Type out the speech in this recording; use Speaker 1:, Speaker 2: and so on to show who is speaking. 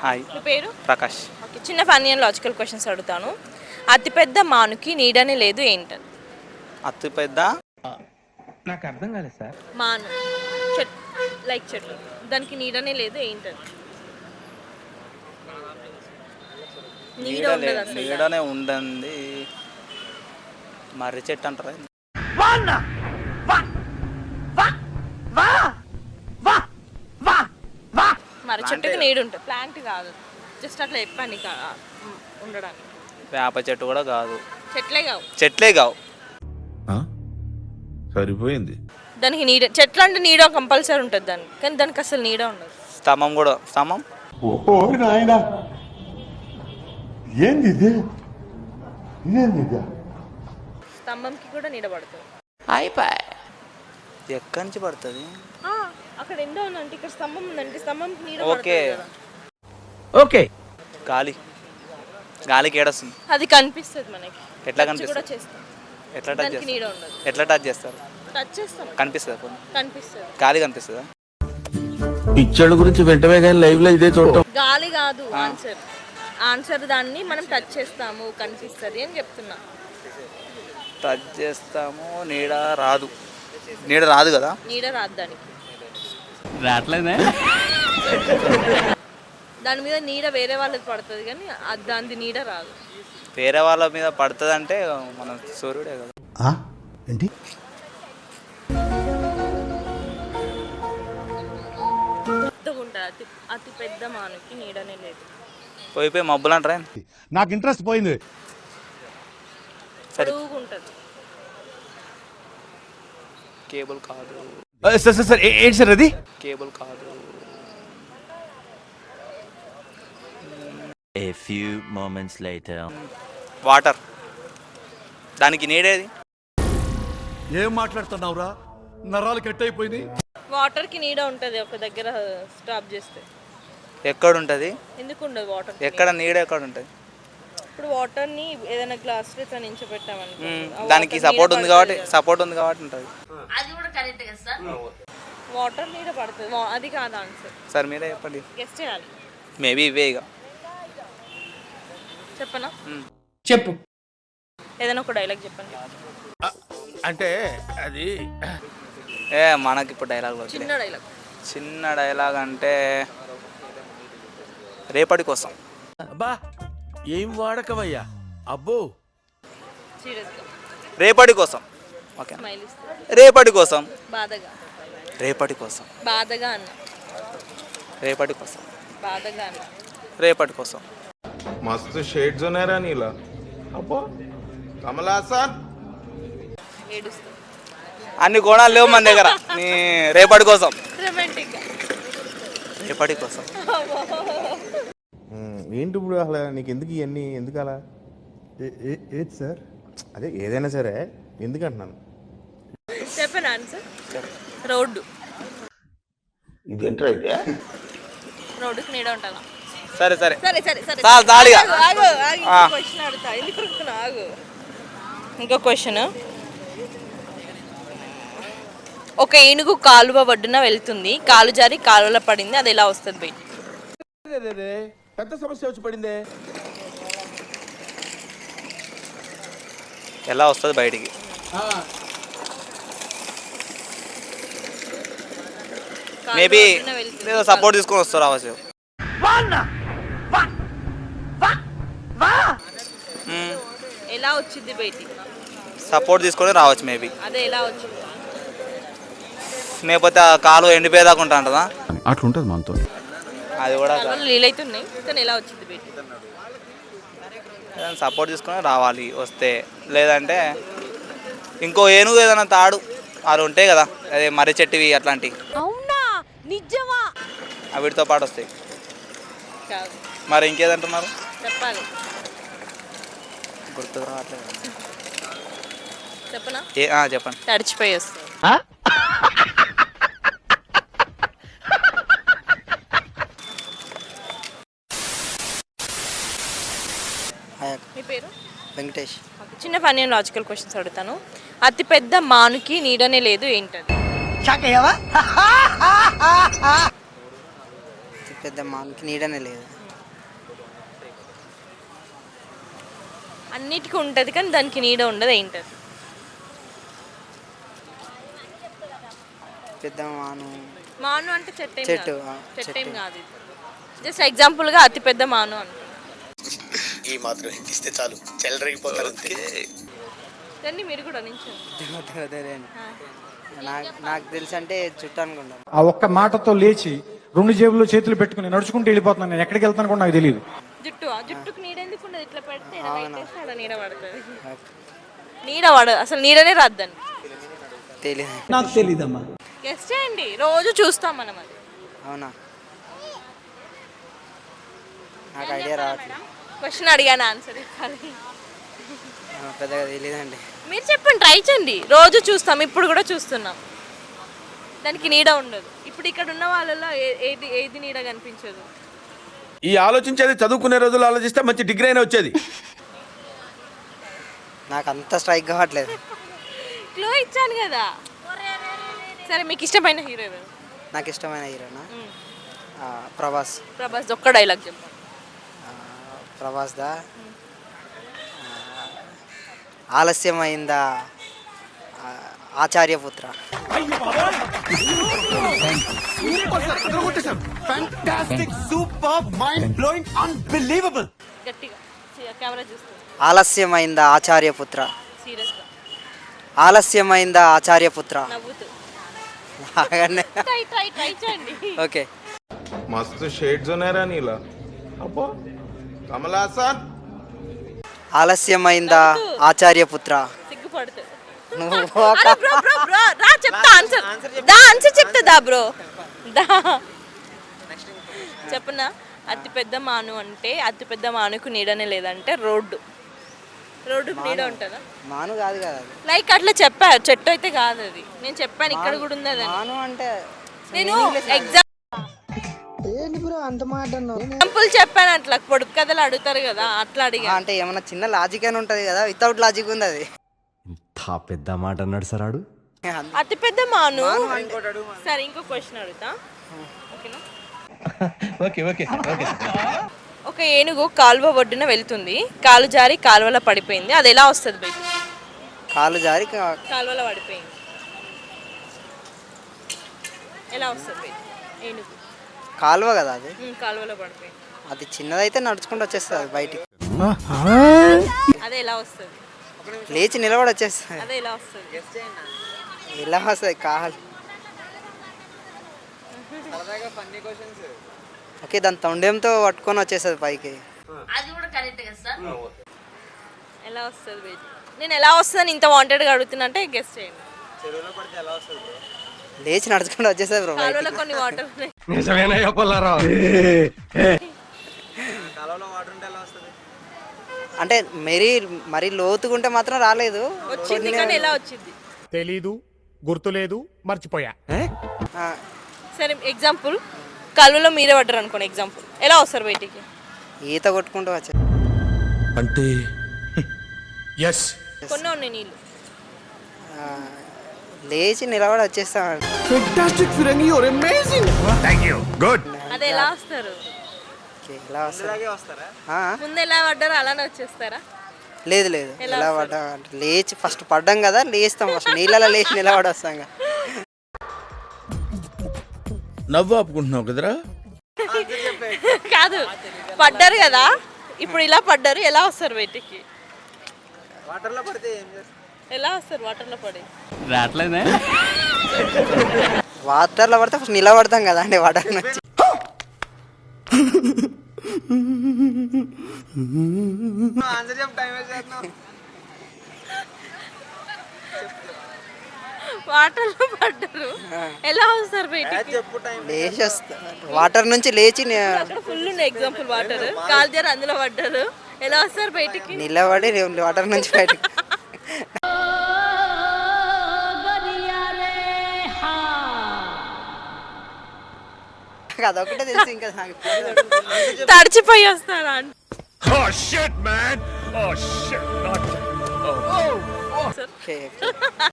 Speaker 1: Hi.
Speaker 2: మీ పేరు?
Speaker 1: Prakash.
Speaker 2: Okay, చిన్న ఫన్నీ అండ్ లాజికల్ క్వశ్చన్స్ అడుగుతాను. అతిపెద్ద మానుకి నీడనే లేదు ఏంటది?
Speaker 1: అతిపెద్ద
Speaker 3: నాకు అర్థం కాలేదు సార్.
Speaker 2: మాను చెట్ లైక్ చెట్లు, దానికి నీడనే లేదు ఏంటది? నీడ ఉండదు అసలు.
Speaker 1: నీడనే ఉండండి. మర్రి చెట్టు అంటారా?
Speaker 2: మరి చెట్టుకి నీడ ఉంటుంది, ప్లాంట్ కాదు. జస్ట్ అట్లా చెప్పండి ఉండడానికి.
Speaker 1: వేప చెట్టు కూడా కాదు.
Speaker 2: చెట్లే కావు.
Speaker 4: సరిపోయింది.
Speaker 2: దానికి నీడ, చెట్లు అంటే నీడ కంపల్సరీ ఉంటుంది దానికి, కానీ దానికి అసలు నీడ ఉండదు.
Speaker 1: స్తంభం కూడా. స్తంభం
Speaker 5: ఓ నాయనా, ఏంది ఇది?
Speaker 2: స్తంభంకి కూడా నీడ పడుతుంది.
Speaker 1: ఎక్కడి నుంచి పడుతుంది?
Speaker 2: అక్కడ ఎండ ఉందంటే ఇక్కడ స్తంభం ఉందంటే స్తంభంకి నీడ
Speaker 1: ఓకే
Speaker 3: ఓకే.
Speaker 1: గాలికి ఏడొస్తుంది.
Speaker 2: అది కనిపిస్తుంది మనకి.
Speaker 1: ఎట్లా
Speaker 2: కూడా
Speaker 1: కనిపిస్తుంది?
Speaker 2: చేస్తాం.
Speaker 1: ఎట్లా టచ్
Speaker 2: దానికి నీడ
Speaker 1: చేస్తారు?
Speaker 2: ఉండదు.
Speaker 1: ఎట్లా టచ్ చేస్తారు?
Speaker 2: టచ్ చేస్తాం.
Speaker 1: కనిపిస్తుంది.
Speaker 2: కనిపిస్తుంది.
Speaker 1: గాలి కనిపిస్తుందా?
Speaker 4: పిక్చర్ల గురించి వెంటనే కానీ లైవ్ లో ఇదే చూడటం.
Speaker 2: గాలి కాదు ఆన్సర్ దాన్ని మనం టచ్ చేస్తాము, కనిపిస్తుంది అని చెప్తున్నా.
Speaker 1: టచ్ చేస్తాము, నీడ రాదు. నీడ రాదు కదా?
Speaker 2: నీడ రాదు దానికి.
Speaker 3: రావట్లేదే.
Speaker 2: దాని మీద నీడ వేరే వాళ్ళకి పడుతుంది కానీ దాని నీడ రాదు.
Speaker 1: వేరే వాళ్ళ మీద పడుతుంది అంటే మన సూర్యుడే కదా.
Speaker 5: ఏంటి?
Speaker 2: అతి పెద్ద మానుకి నీడనే లేదు.
Speaker 1: పోయిపోయి మబ్బులు అంటారా?
Speaker 5: నాకు ఇంట్రెస్ట్ పోయింది.
Speaker 2: ఉంటుంది.
Speaker 1: కేబుల్ కాదు.
Speaker 3: సార్ ఏంటి సార్ అది?
Speaker 1: కేబుల్ కాదు.
Speaker 6: A few moments later.
Speaker 1: Water. దానికి నీడేది?
Speaker 5: ఏం మాట్లాడుతున్నావురా? నరాలు కట్ అయిపోయింది.
Speaker 2: వాటర్ కి నీడ ఉంటుంది ఒక దగ్గర స్టాప్ చేస్తే.
Speaker 1: ఎక్కడ ఉంటుంది?
Speaker 2: ఎందుకు ఉండదు వాటర్?
Speaker 1: ఎక్కడ నీడ ఎక్కడ ఉంటుంది?
Speaker 2: ఇప్పుడు వాటర్ ని ఏదైనా గ్లాస్ లో ఇట్లా నించోబెట్టామనుకో,
Speaker 1: దానికి సపోర్ట్ ఉంది కాబట్టి ఉంటుంది.
Speaker 2: అది కూడా కరెక్ట్ కదా సార్. వాటర్ నీడ పడుతుంది, అది కాదు ఆన్సర్.
Speaker 1: సార్ మీరే చెప్పండి.
Speaker 2: గెస్ చేయాలి.
Speaker 1: మేబీ ఇవే ఇక.
Speaker 2: చెప్పనా?
Speaker 3: చెప్పు.
Speaker 2: ఏదైనా ఒక డైలాగ్ చెప్పండి.
Speaker 4: అంటే అది
Speaker 1: మనకి ఇప్పుడు డైలాగ్ చిన్న డైలాగ్ అంటే రేపటి కోసం.
Speaker 4: అబ్బా ఏం వాడకవయ్యా అబ్బో.
Speaker 2: సీరియస్గా
Speaker 1: రేపటి కోసం. ఓకే.
Speaker 2: స్మైల్ ఇస్తే.
Speaker 1: రేపటి కోసం.
Speaker 2: బాధగా.
Speaker 1: రేపటి కోసం.
Speaker 2: బాధగా అన్న.
Speaker 1: రేపటి కోసం.
Speaker 2: బాధగా అన్న.
Speaker 1: రేపటి కోసం.
Speaker 7: मस्त शेड्स ఉన్నాయి రా నీలా. అబ్బో కమల్ హాసన్.
Speaker 2: ఏడుస్తా.
Speaker 1: అన్ని కోణాలు లేవు మన దగ్గర. నీ రేపటి కోసం.
Speaker 2: రొమాంటిక్.
Speaker 1: రేపటి కోసం.
Speaker 7: ఏంటి ఇప్పుడు అసలు నీకు ఎందుకు ఇవన్నీ ఎందుకు అలా?
Speaker 5: ఏది సార్?
Speaker 7: అదే ఏదైనా సరే ఎందుకు అంటున్నాను.
Speaker 2: చెప్పండి ఆన్సర్. రోడ్డు.
Speaker 7: ఇదేంట్రా అయితే?
Speaker 2: రోడ్డుకి నీడ ఉంటుందా?
Speaker 1: సరే సరే
Speaker 2: సరే సరే సరే.
Speaker 1: చాలిగా.
Speaker 2: క్వశ్చన్ అడుగుతా. ఎందుకు అడుగుతున్నా? ఆగు. ఇంకో క్వశ్చన్. ఒక ఏనుగు కాలువ ఒడ్డున వెళ్తుంది, కాలు జారి కాలువలో పడింది, అది ఎలా వస్తుంది బయట?
Speaker 4: పెద్ద సమస్య వచ్చి పడిందే.
Speaker 1: ఎలా వస్తుంది బయటికి? మేబీ ఏదో సపోర్ట్ తీసుకొని వస్తారు రావచ్చు.
Speaker 2: ఎలా వచ్చింది బయటికి?
Speaker 1: సపోర్ట్ తీసుకొని రావచ్చు మేబీ.
Speaker 2: అదే ఎలా వచ్చింది?
Speaker 1: లేకపోతే ఆ కాలు ఎండిపోయేదాకా ఉంటా అంటదా?
Speaker 4: అట్లుంటది మనతో.
Speaker 1: అది కూడా
Speaker 2: నీళ్ళైతున్నాయి కానీ ఎలా వచ్చింది బయటికి?
Speaker 1: సపోర్ట్ తీసుకొని రావాలి వస్తే. లేదంటే ఇంకో ఏనుగు ఏదైనా తాడు అవి ఉంటాయి కదా, అదే మర్రి చెట్టువి అట్లాంటివి.
Speaker 2: అవునా? నిజమా?
Speaker 1: వీటితో పాటు వస్తాయి. మరి ఇంకేదంటున్నారు?
Speaker 2: చెప్పాలి.
Speaker 1: గుర్తుకు రావట్లేదు.
Speaker 2: చెప్పనా?
Speaker 1: చెప్పండి.
Speaker 2: తడిచిపోయి వస్తాయి. మీ పేరు?
Speaker 1: వెంకటేష్.
Speaker 2: చిన్న ఫన్నీ అండ్ లాజికల్ క్వశ్చన్స్ అడుగుతాను. అతి పెద్ద మానుకి నీడనే లేదు ఏంటది?
Speaker 8: పెద్ద మానుకి నీడనే లేదు.
Speaker 2: అన్నిటికీ ఉంటుంది కానీ దానికి నీడ ఉండదు, ఏంటది?
Speaker 8: పెద్ద మాను
Speaker 2: మాను అంటే చెట్టు
Speaker 8: చెట్టు,
Speaker 2: చెట్టు ఏం కాదు. జస్ట్ ఎగ్జాంపుల్గా అతి పెద్ద మాను అనుకో.
Speaker 9: ఈ మాత్రం ఇస్తే చాలు చెల్లరగిపోతారు అంతే.
Speaker 2: రండి మీరు కూడా నించోండి.
Speaker 8: నాకు తెలిసి అంటే చుట్టూ అనుకుంటాను.
Speaker 5: ఆ ఒక్క మాటతో లేచి 2 జేబుల్లో చేతులు పెట్టుకుని నడుచుకుంటూ వెళ్ళిపోతున్నాను. నేను ఎక్కడికి వెళ్తాను కూడా నాకు తెలియదు.
Speaker 2: జుట్టుకు నీడ ఎందుకు ఉండదు? ఇట్లా పెడితే ఈడ పెట్టేస్తే ఆడ నీడ పడుతుంది. నీడ పడదు, అసలు నీడనే రాద్దండి.
Speaker 8: తెలియదు.
Speaker 3: నాకు తెలీదమ్మా.
Speaker 2: గెస్ట్ చేయండి, రోజు చూస్తాం మనం అది.
Speaker 8: అవునా, నాకు ఐడియా రావట్లేదు.
Speaker 2: క్వశ్చన్ అడిగాను, ఆన్సర్ ఇవ్వాలి.
Speaker 8: పెద్దగా తెలియదండి.
Speaker 2: మీరు చెప్పండి, ట్రై చేయండి. రోజు చూస్తాం, ఇప్పుడు కూడా చూస్తున్నాం. దానికి నీడ ఉండదు. ఇప్పుడు ఇక్కడ ఉన్న వాళ్ళలో ఏది ఏది నీడ కనిపించదు?
Speaker 4: ఈ ఆలోచించేది చదువుకునే రోజులు ఆలోచిస్తే మంచి డిగ్రీ అయినా వచ్చేది.
Speaker 8: నాకు అంత స్ట్రైక్ కావట్లేదు.
Speaker 2: క్లో ఇచ్చాను కదా. సరే, మీకు ఇష్టమైన హీరో ఎవరు?
Speaker 8: నాకు ఇష్టమైన హీరోనా ప్రభాస్.
Speaker 2: ప్రభాస్ ఒక్క డైలాగ్ చెప్పండి.
Speaker 8: ప్రభాస్ దా ఆలస్యమైందా ఆచార్యపుత్ర.
Speaker 2: గట్టిగా కెమెరా చూస్తుంది.
Speaker 8: ఆలస్యమైందా ఆచార్యపుత్ర.
Speaker 2: సీరియస్గా
Speaker 8: ఆలస్యమైందా ఆచార్యపుత్ర.
Speaker 2: నవ్వుతూ
Speaker 8: బాగానే.
Speaker 2: ట్రై చేయండి.
Speaker 8: ఓకే.
Speaker 7: मस्त शेड्स ఉన్నాయరా నీలా. అబ్బా కమల్ హాసన్.
Speaker 8: ఆలస్యమైందా ఆచార్యపుత్ర.
Speaker 2: సిగ్గుపడుతుంది.
Speaker 8: నువ్వు
Speaker 2: రా చెప్తా ఆన్సర్. ఆన్సర్ చెప్తా బ్రో. దా చెప్పనా? అతి పెద్ద మాను అంటే అతి పెద్ద మానుకు నీడనే లేదంటే రోడ్డుకు నీడ ఉంటుందా?
Speaker 8: మాను కాదు కదా అది.
Speaker 2: లైక్ అట్లా చెప్పారు. చెట్టు అయితే కాదు అది. నేను చెప్పాను ఇక్కడ కూడా ఉంది అది.
Speaker 8: మాను అంటే
Speaker 2: నేను ఎగ్జాంపుల్ చెప్పాను. అట్లా పొడుపు కథలు అడుగుతారు కదా, అట్లా అడిగా.
Speaker 8: అంటే ఏమన్నా చిన్న లాజిక్ అని ఉంటది కదా, వితౌట్ లాజిక్ ఉంది అది.
Speaker 3: పెద్ద మాట అన్నాడు సార్ ఆడు.
Speaker 2: అతి పెద్ద మాను. సరే, ఇంకో క్వశ్చన్ అడుగుతా, ఓకేనా? ఒక ఏనుగు కాలువ ఒడ్డున వెళ్తుంది, కాలు జారి కాలువలో పడిపోయింది. అది ఎలా వస్తుంది బయట?
Speaker 8: కాలు జారి
Speaker 2: కాలువలో పడిపోయింది, ఎలా వస్తుంది బయట? ఏనుగు
Speaker 8: కాలువ కదా అది.
Speaker 2: కాలువలో పడిపోయింది.
Speaker 8: అది చిన్నదైతే నడుచుకుంటూ వచ్చేస్తుంది అది బయటికి.
Speaker 2: అదే ఎలా వస్తుంది?
Speaker 8: లేచి నిలబడి వచ్చేస్తుంది.
Speaker 2: అదే ఎలా వస్తుంది?
Speaker 8: ఎలా వస్తుంది? కాలు. ఓకే, దాని తొండెంతో పట్టుకొని వచ్చేస్తుంది పైకి.
Speaker 2: ఎలా వస్తుంది బయట? నేను ఎలా వస్తుందని ఇంత వాంటెడ్గా అడుగుతున్నా అంటే గెస్ట్ చేయండి.
Speaker 8: లేచి నడుచుకుంటూ వచ్చేస్తుంది బ్రో.
Speaker 2: కాలువలో కొన్ని వాటర్ ఉన్నాయి.
Speaker 8: అంటే మరీ లోతుకుంటే మాత్రం రాలేదు.
Speaker 2: వచ్చింది కానీ ఎలా వచ్చింది?
Speaker 5: తెలీదు, గుర్తులేదు, మర్చిపోయా.
Speaker 2: సరే, ఎగ్జాంపుల్ కాలువలో మీరే పడ్డారు అనుకోండి. ఎగ్జాంపుల్ ఎలా వస్తారు బయటికి?
Speaker 8: ఈత కొట్టుకుంటూ వచ్చే
Speaker 4: అంటే
Speaker 2: కొన్ని ఉన్నాయి నీళ్ళు.
Speaker 8: లేచి నిలబడి వచ్చేస్తాను.
Speaker 2: అదే ఎలా వస్తారు?
Speaker 8: ఎలా వస్తుంది?
Speaker 2: ముందు ఎలా పడ్డారో అలానే వచ్చేస్తారా?
Speaker 8: లేదు ఎలా పడ్డా అంటే లేచి ఫస్ట్ పడ్డాం కదా, లేస్తాం ఫస్ట్. నీళ్ళలో లేచి నిలబడి వస్తాం కదా.
Speaker 4: నవ్వు ఆపుకుంటున్నావు కదరా.
Speaker 2: కాదు, పడ్డారు కదా, ఇప్పుడు ఇలా పడ్డారు, ఎలా వస్తారు బయటికి?
Speaker 8: వాటర్లో పడితే ఏం చేస్తారు?
Speaker 2: ఎలా వస్తారు వాటర్లో పడి?
Speaker 3: రావట్లేదే.
Speaker 8: వాటర్లో పడితే ఫస్ట్ నిలబడతాం కదా అండి వాటర్ నుంచి.
Speaker 2: వాటర్లో పడ్డారు, ఎలా వస్తారు బయటికి?
Speaker 8: లేచి వస్తా వాటర్ నుంచి లేచి
Speaker 2: ఫుల్ ఎగ్జాంపుల్ వాటర్, కాలు జారి అందులో పడ్డారు, ఎలా వస్తారు బయటికి?
Speaker 8: నిలబడి వాటర్ నుంచి బయటికి. అదొకటే తెలుసు, ఇంకా
Speaker 2: తడిచిపోయి వస్తారా?
Speaker 8: ఓకే.